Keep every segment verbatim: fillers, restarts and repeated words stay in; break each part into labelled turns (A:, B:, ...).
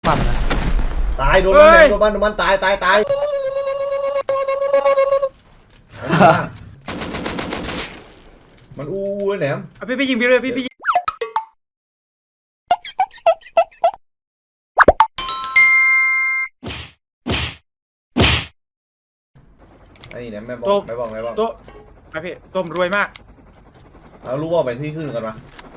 A: ปั๊มนะ
B: ตายโดนมันโดนมันโดนมันตายตายตายมันอู้แหนม
C: พี่พี่ยิงพี่เลยพี่พี่ยิง
B: ไอ้แหนมไม่บอกไม่บอกไม่บอก
C: โต๊ะไปพี่ต้มรวยมาก
B: เรารู้ว่าไปที่ขึ้นกันมา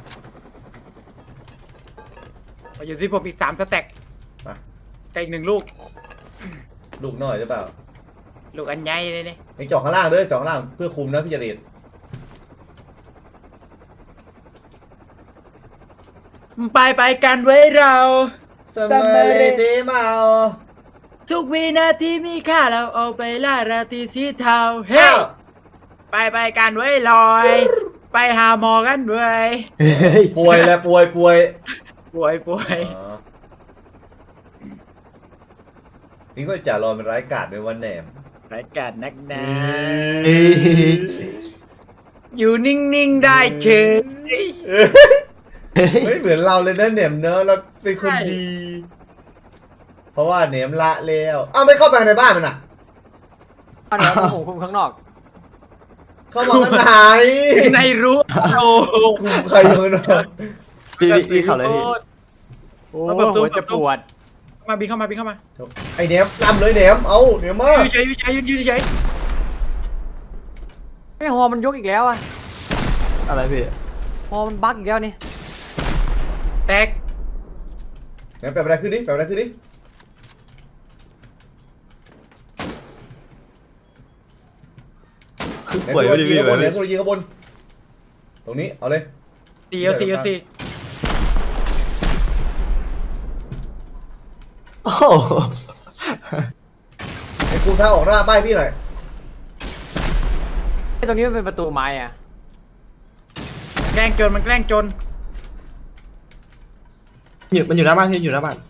C: อยู่ที่ผมอีกสามสแต็ก
B: มา
C: แต่อีกหนึ่งลูก
B: ลูกน้อยหรือเปล่า
C: ลูกอันใหญ่เลยเนี่ย
B: ไอ้จอกข้างล่างด้วยจอกข้างล่างเพื่อคุมนะพี่จริต
C: ไปไปกันไว้เรา
B: สมัยเดมา
C: ทุกวินาทีมีค่าเราเอาไปล่าราตรีสีเทาเฮ้ไปไปกันไว้ลอยไปหาหมอกันด้วย
B: ป่วยแล้วป่วยป่วย
C: ป่วยป่วย
B: นี่ก็จะรอเป็นร้ายกาจในวันแหนม
C: ร้ายกาจนักหนาอยู่นิ่งๆได้เฉย
B: ไม่เหมือนเราเลยนะแหนมเนอะเราเป็นคนดี เพราะว่าแหนมละแล้วอ้าวไม่เข้าไปในบ้านมันอ่ะ
D: เอาแหนมผมคุมข้างนอก
B: เข้ามาข้างใน
C: ในรู้โอ้
B: ใครอยู่เนอะ
A: พี่พี่เขาเลยพี่
D: โอ้หัวจะปวด
C: มาบินเข้ามาบินเข้ามา
B: ไอแหนมลำเลยแหนมเอาแหนมมา
C: ยืนเฉยยืนเฉยยืนเฉย
D: ไอ้ฮอมันยกอีกแล้วอะ
A: อะไรพี่
D: ฮอมันบั๊กอีกแล้วนี่
C: แตก
B: แหนมแปลอะไรขึ้นดิแปลอะไรขึ้นดิ
A: ป่วยไม่ดีพี่
B: ข้างบนแหนมตัวยิงข้างบนตรงนี้เอาเลย
C: สี่เอาสี่เอาสี่
A: โอ้
B: ไอ้กูท้าออกหน้าป้ายพี่หน่อย
D: ไอ้ตรงนี้มันเป็นประตูไม้อะ
C: แกล้งจนมันแกล้งจน
A: อยู่มันอยู่หน้าบ้านพี่อยู่หน้าบ้าน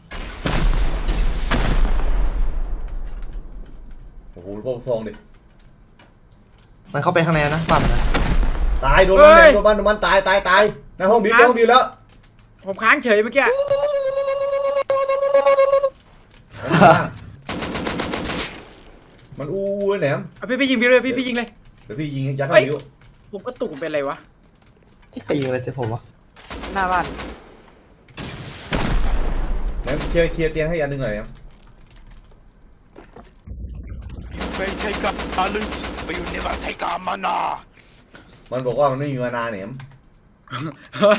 B: โอ้โหโป่งซองดิ
A: มันเข้าไปข้างในนะปั๊มนะ
B: ตายโดนมันโดนมันโดนมันตายตายตายในห้องบิวในห้องบิวแล้ว
C: ผมค้างเฉยเมื่อกี้
B: มันอู้แหนม
C: พี่พี่ยิงพี่เลยพี่พี่ยิงเลย
B: เดี๋ยวพี่ยิงยัดเข้าบิว
C: ผมก็ตุกเป็นอะไรวะ
A: ใครยิงอะไรเจ๊ผมวะ
D: หน้าบ้าน
B: แหนมเคลียร์เคลียร์เตียงให้อันหนึ่งหน่อยแหนม
E: ไม่ใช่การลึกไปอยู่ในประเทศกามานา
B: มันบอกว่ามันไม่มีมานาแหนม
C: เฮ้ย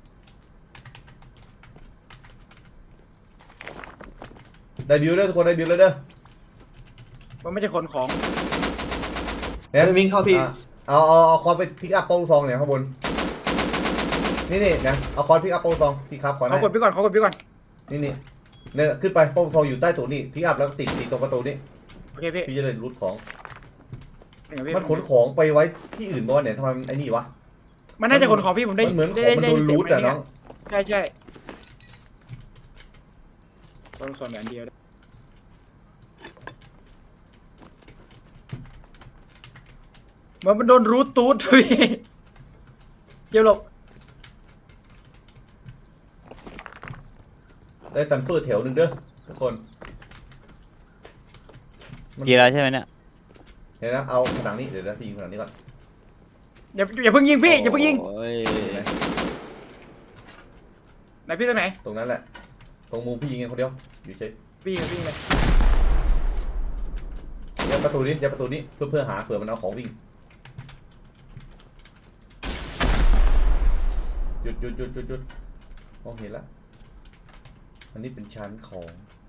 B: ได้บิวแล้วทุกคนได้บิวแล้วเด้อ
C: มันไม่ใช่คนของ
B: แหนม
A: วิ่งเข้าพี่
B: เอาเอาเอาคอนไปพิกอัพโป้งซองเนี่ยข้างบนนี่นี่นะเอาคอนพิกอัพโป้งซองพี่ครับก่อน
C: เขากดพี่ก่อนเขากดพี่ก่อน
B: นี่นี่เนี่ยขึ้นไปโป้งซองอยู่ใต้ตัวนี้พิกอัพแล้วก็ติดติดตรงประตูนี้
C: โอเคพี่
B: พี่จะได้รูทของมันขนของไปไว้ที่อื่นบ้างเนี่ยทำไมไอ้นี่วะ
C: มันน่าจะขนของพี่ผมได้
B: เหมือนของมันโดนรูทอะน้อง
C: ใช่ใช่ต้องสอนแบบเดียวเหมือนมันโดนรูทตูดพี่เจียวหลบ
B: ได้ซันเฟอร์แถวหนึ่งเด้อทุกคน
A: กี่แล้วใช่ไหมเนี่ย
B: เดี๋ยวนะเอาผนังนี้เดี๋ยวนะพี่ยิงผนังนี้ก่อน
C: อย่าอย่าเพิ่งยิงพี่อย่าเพิ่งยิงไหนพี่ตรงไหน
B: ตรงนั้นแหละตรงมุมพี่ยิงเองคนเดียวอยู่เฉย
C: พี่ยิงพี่ยิงเลย
B: ยัดประตูนี้ยัดประตูนี้เพื่อเพื่อหาเผื่อมันเอาของวิ่งหยุดหยุดหยุดหยุดหยุดมองเห็นแล้วอันนี้เป็นชั้นของ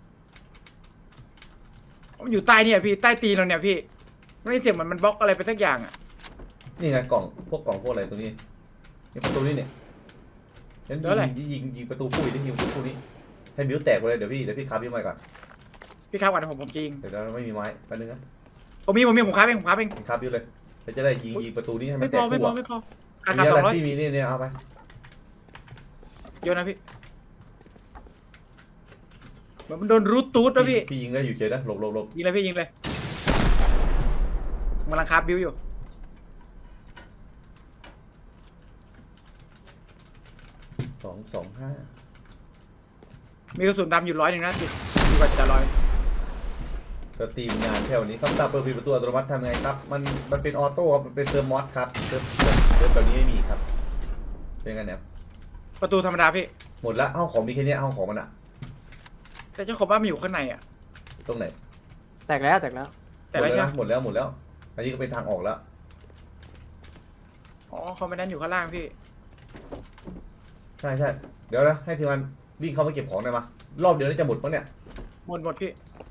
C: มันอยู่ใต้เนี่ยพี่ใต้ตีนเราเนี่ยพี่ไม่ได้เสียงเหมือนมันบล็อกอะไรไปสักอย่างอ่ะ
B: นี่ไงกล่องพวกกล่องพวกอะไรตัวนี้นี่ประตูนี้เนี่ยฉันยิงยิงยิงประตูปุ้ยได้ยิงประตูนี้ให้บิ้วแตกไปเลยเดี๋ยวพี่เดี๋ยวพี่คาบบิ้วไม้ก่อน
C: พี่คาบก่อนผมผมจริง
B: เดี๋ยวเราไม่มีไม้แป๊บนึงนะ
C: ผมมีผมมีผมคาบเองผมคาบเอง
B: คาบบิ้วเลยเราจะได้ยิงยิงประตูนี้ให้มันแตก
C: ไม่พอไม่พอไม่พอ
B: ขาดสองร้อยพี่มีนี่เนี่ยเอาไป
C: โยนนะพี่มันโดนรูทตูดนะพี่
B: พี่ยิงได้อยู่เฉยนะหลบหลบหลบ
C: ยิงเลยพี่ยิงเลยกำลังคาบบิ้วอยู่
B: สองสองห้า
C: มีกระสุนดำอยู่ร้อยหนึ่งนะติดอยู่กับจะร้อย
B: ก็ทีมงานแถวนี้คำสั่งเปิดปิดประตูอัตโนมัติทำไงครับ มันมันเป็นออโต้ครับมันเป็นเติมมอสครับเติมเติมเติมแบบนี้ไม่มีครับเป็นไงเนี่ย
C: ประตูธรรมดาพี่
B: หมดละห้องของมีแค่เนี้ยห้องของมันอะ
C: แต่เจ้าของบ้านมันอยู่ข้างในอ่ะ
B: ตรงไหน
D: แตกแล้วแตกแล้ว
C: แต่ละ
B: หมด
C: แค่
B: แล้วนะหมดแล้วหมดแล้ว อันนี้ก็เป็นทางออกแล้ว
C: อ๋อเขาไม่ได้อยู่ข้างล่างพี่
B: ใช่ใช่เดี๋ยวนะให้ทีมงานวิ่งเข้ามาเก็บของหน่อยมารอบเดียวนี่จะหมดปะเนี่ย
C: หมดหมดพี่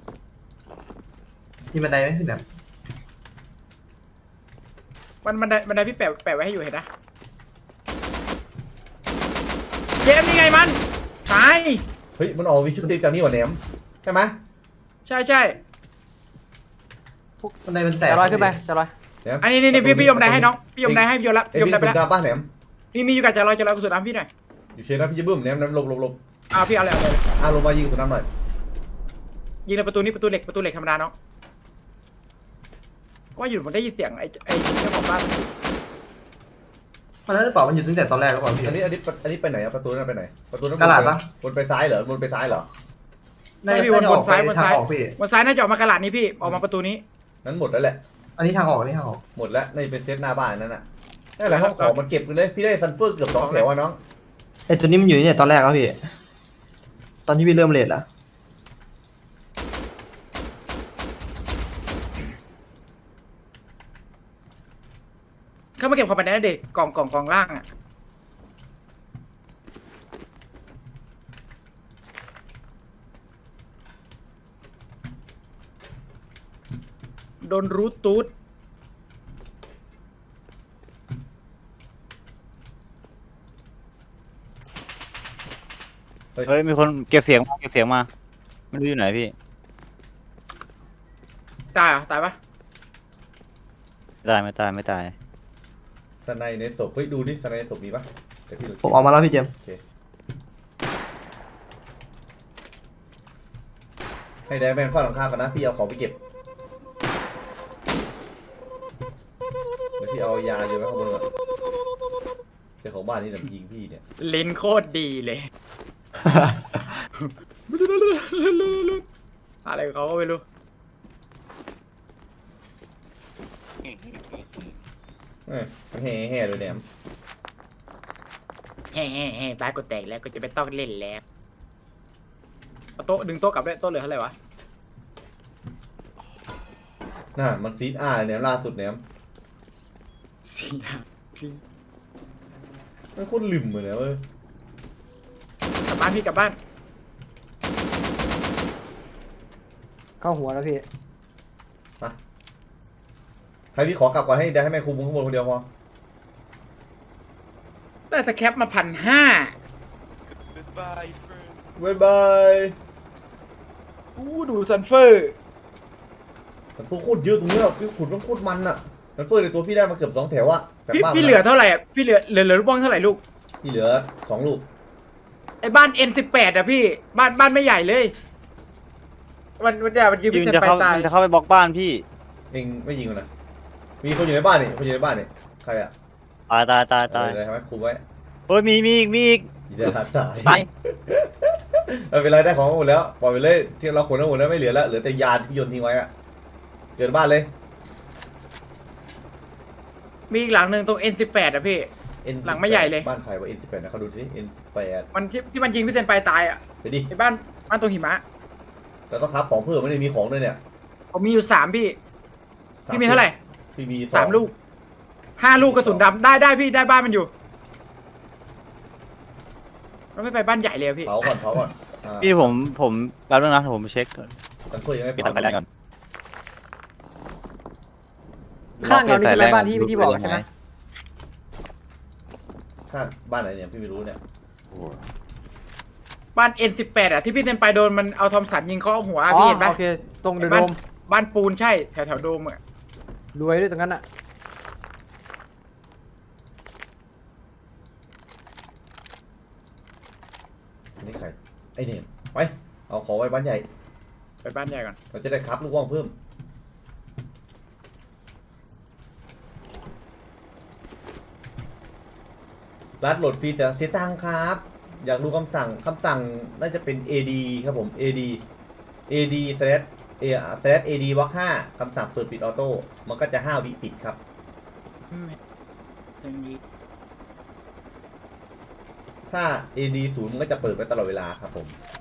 A: มีบันไดไหมพี่แหนม
C: มันมันไดมันไดพี่แปะแปะไว้ให้อยู่เห็นนะเจมส์นี่ไงมันตาย
B: เฮ้ยมันออกวิชุดเต็มจากนี่หว่าแหนมใช่ไหม
C: ใช่ใช่
A: บันไดมันแตก
D: จะลอยขึ้นไปจะลอย
B: แหนม
C: อันนี้นี่นี่พี่พี่ยมไดให้น้องพี่ยมไดให้พี่ยมละ
B: เอ้ย
C: พี่ยม
B: พี่
C: ไดไป
B: สุ
C: แล้
B: ด
C: ว
B: ดาป้าแหนม
C: พี่มีอยู่กับจะลอยจะลอยกระสุนน้ำพี่หน่อย
B: อยู่เชนนะพี่จะบึ้มแหนมแหนมหลบหลบหลบ
C: อ่าพี่เอาเลยเอาเลย
B: อ่ะลงมายิงสุดน้ำหน่อย
C: ยิงในประตูนี้ประตูเหล็กประตูเหล็กธรรมดาน้องว่าอยู่ผมได้ยินเสียงไอ้ไอ้เจ้าของบ้าน
A: มันนั่นหรือเปล่ามันอยู่ตั้งแต่ตอนแรกหรือเปล่าพี่
B: อันนี้อันนี้อันนี้ไปไหนอะประตูนั้นไปไหนประตูนั้น
A: กระดาษปะ
B: วนไปซ้ายเหรอวนไปซ้ายเหรอ
A: น่าจะน่าจะออกไปทางออกพี่
C: บนซ้ายน่าจะออกมากระหลาดนี้พี่ออกมาประตูนี้
B: นั้นหมดแล้วแหละ
A: อันนี้ทางออกอันนี้ทางออก
B: หมดแล้วในเป็นเซตหน้าบ้านนั่นน่ะนั่นแหละห้องของมันเก็บกันเลยพี่ได้ซันเฟอร์เกือบสองแถวอะน้อง
A: ไอตัวนี้มันอยู่เนี่ยตอนแรกแล้วพี่ ตอนที่พี่เริ่มเลทละ
C: เข้ามาเก็บของไปในเด็กกล่องกล่องกล่องล่างอ่ะโดนรูทตูด
A: เฮ้ยมีคนเก็บเสียงมาเก็บเสียงมาไม่รู้อยู่ไหนพี่
C: ตายเหรอตายปะ
A: ไม่ตายไม่ตายไม่ตาย
B: สไนในศพเฮ้ยดูดิสไนในศพมีปะเดี๋ยวพี่ดู
A: ผมออกมาแล้วพี่เจมส์
B: โอเคให้ได้แมนฝ้าหลังคากันนะพี่เอาของไปเก็บเดี๋ยวพี่เอายาโยนไว้ข้างบนก่อนเจ้าของบ้านนี่เนี่ยยิงพี่เนี่ย
C: ลิ้นโคตรดีเลย อะไรของเขาก็ไม่รู้
B: เอ้ยมันแห่แห่เลยเนี่ย
C: แฮ่แฮ่แฮ่บ้านกูแตกแล้วก็จะไม่ต้องเล่นแล้วเอาโต๊ะดึงโต๊ะกลับด้วยโต๊ะเหลือเท่าไหร่วะ
B: น่ามันซีดอาร์เนี่ยล่าสุดเนี่ย
C: สี่ห้าพี่
B: มันโคตรลืมเลยนะเว้ย
C: กลับบ้านพี่กลับบ้าน
D: เข้าหัวแล้วพี่
B: ใครพี่ขอกลับก่อนให้ได้ให้แม่คุมข้างบนคนเดียวพอ
C: ได้สแคปมาพันห้า
E: Goodbye, friend.
B: บ๊ายบาย
C: อู้ดูซันเฟอร์
B: มันโคตรเยอะตรงนี้อ่ะพี่ขุดมันโคตรมันอ่ะมันเฟอร์ในตัวพี่ได้มาเกือบสองแถวอ่ะแต่
C: พี่
B: บ้าน
C: พี่เหลือเท่าไหร่อะพี่เหลือเหลือเหลือลูกบ้องเท่าไหร่ลูก
B: พี่เหลือสองลูก
C: ไอ้บ้าน เอ็น สิบแปด อะพี่บ้านบ้านไม่ใหญ่เลยมันมันเดี๋ยวมันยิง
A: ยิ
C: พี่
A: ง
C: เซน
A: จะ
C: ไป
A: เข้า
C: ตาย
A: จะเข้าไปบล็อกบ้านพี่
B: เองไม่ยิงมันนะมีคนอยู่ในบ้านนี่คนอยู่ในบ้านนี่ใครอ่ะ
A: ตายตายตายตาย
B: เออทำไมคุมไว้
A: เฮ้ยมีมีอีกมีอีก
B: อย่าได้ตาย
A: ตาย
B: ไม่เป็นไรได้ของหมดแล้วปล่อยไปเลยที่เราขนทั้งหมดแล้วไม่เหลือแล้วเหลือแต่ยาที่พี่โยนทิ้งไว้อ่ะเกินบ้านเลย
C: มีอีกหลังหนึ่งตรง เอ็น สิบแปด อะพี่
B: N
C: หลังไม่ใหญ่เลย
B: บ้านใครวะ เอ็น สิบแปด นะเขาดูที่ เอ็น สิบแปด
C: มันที่ที่มันยิงพี่เซนไปตายอะ
B: ไปดิ
C: ไอ้บ้านบ้านตรงหิมะ
B: แล้วก็ครับของเพิ่มไม่ได้มีของด้วยเนี่ย
C: ผมมีอยู่สามพี่พี่มีเท่าไหร่
B: พี่มี
C: สามลูกห้าลูกกระสุนดำได้ได้พี่ได้บ้านมันอยู่เราไม่ไปบ้านใหญ่เลยอะพี่
B: เผาก่อนเผาก่อนอ่า
A: พี่ผมผมแป๊บนึงนะผมเช็คก่อน
B: กันเพื่อยังไม่
A: ปิด
B: เผา
A: ไฟแรงก่อน
D: ข้างเรานี่ใช่ไหมบ้านที่ที่บอกใช่ไหม
B: ข้างบ้านไหนเนี่ยพี่ไม่รู้เนี่ย
C: บ้าน เอ็น สิบแปด อะที่พี่เซนไปโดนมันเอาทอมสันยิงเข้าหัว
D: อ๋อ
C: พี่เห็นปะ
D: โอเคตรงเดอะ
C: ไอ้
D: โด
C: บ้าน
D: ม
C: บ้านปูนใช่แถวแถวโดมอะ
D: รวยด้วยตรงนั้นอ่ะ
B: อันนี้ใครไอ้เนี่ยไปเอาของไว้บ้านใหญ่
C: ไปบ้านใหญ่ก่อน
B: เราจะได้ครับลูกว่องเพิ่มรัดโหลดฟรีจะเสียตังค์ครับอยากดูคำสั่งคำสั่งน่าจะเป็น ad ครับผม ad ad slash a slash ad บล็อกห้าคำสั่งเปิดปิดออโต้มันก็จะห้าวิปิดครับ
C: อืมตรงนี้
B: ถ้า ad ศูนย์มันก็จะเปิดไว้ตลอดเวลาครับผม